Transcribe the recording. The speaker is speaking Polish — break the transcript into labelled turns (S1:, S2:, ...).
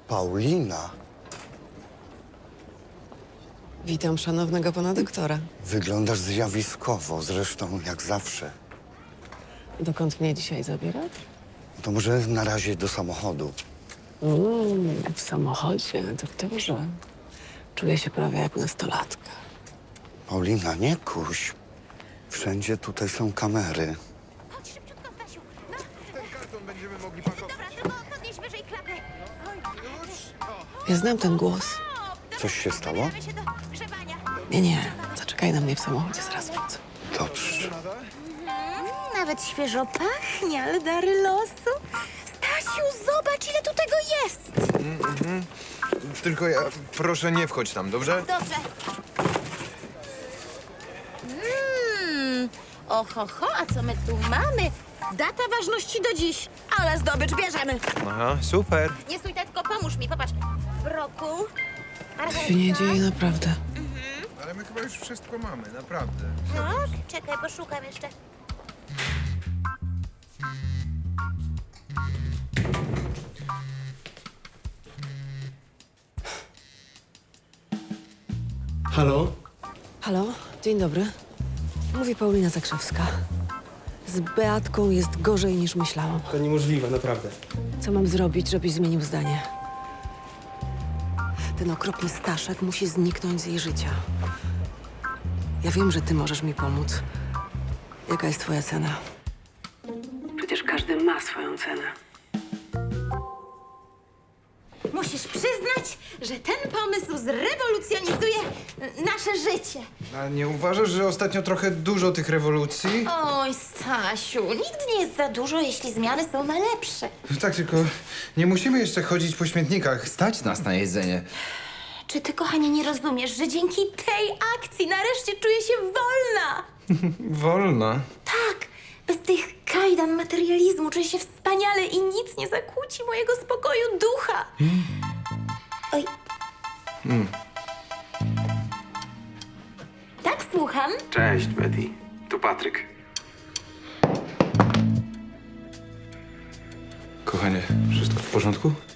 S1: Paulina,
S2: Witam szanownego pana doktora.
S1: wyglądasz zjawiskowo, zresztą jak zawsze.
S2: Dokąd mnie dzisiaj zabierać?
S1: To może na razie do samochodu.
S2: W samochodzie, doktorze. Czuję się prawie jak nastolatka.
S1: Paulina, nie kuś. Wszędzie tutaj są kamery.
S3: Chodź szybciutko, Stasiu. No,
S4: Ten karton będziemy mogli pakować.
S3: dobra, tylko podnieś wyżej klapę.
S2: Ja znam ten głos.
S1: Coś się stało?
S3: Zabieramy się do grzebania.
S2: Nie. Zaczekaj na mnie w samochodzie, zaraz wrócę.
S1: Dobrze.
S3: Nawet świeżo pachnie, ale dary losu. Stasiu, zobacz, ile tu tego jest.
S4: Tylko ja, proszę nie wchodź tam, dobrze?
S3: Dobrze. Oho, a co my tu mamy? Data ważności do dziś. Ale zdobycz bierzemy.
S4: Aha, super.
S3: Nie stój, tylko pomóż mi, popatrz. Brokuł.
S2: To się nie dzieje naprawdę.
S4: Ale my chyba już wszystko mamy, naprawdę.
S3: Tak? Czekaj, poszukam jeszcze.
S5: Halo?
S2: Halo, dzień dobry. Mówi Paulina Zakrzewska. Z Beatką jest gorzej niż myślałam.
S5: To niemożliwe, naprawdę.
S2: Co mam zrobić, żebyś zmienił zdanie? Ten okropny Staszek musi zniknąć z jej życia. Ja wiem, że ty możesz mi pomóc. Jaka jest twoja cena? Przecież każdy ma swoją cenę.
S3: Musisz przyznać, że ten pomysł zrewolucjonizuje nasze życie.
S4: A nie uważasz, że ostatnio trochę dużo tych rewolucji?
S3: Oj, Stasiu, nigdy nie jest za dużo, jeśli zmiany są na lepsze.
S4: Tak, tylko nie musimy jeszcze chodzić po śmietnikach. Stać nas na jedzenie.
S3: Czy ty, kochanie, nie rozumiesz, że dzięki tej akcji nareszcie czuję się wolna?
S4: Wolna.
S3: Tak, bez tych kajdan materializmu czuję się wspaniale i nic nie zakłóci mojego spokoju ducha. Oj. Tak, słucham?
S6: Cześć, Betty. Tu Patryk.
S4: Kochanie, wszystko w porządku?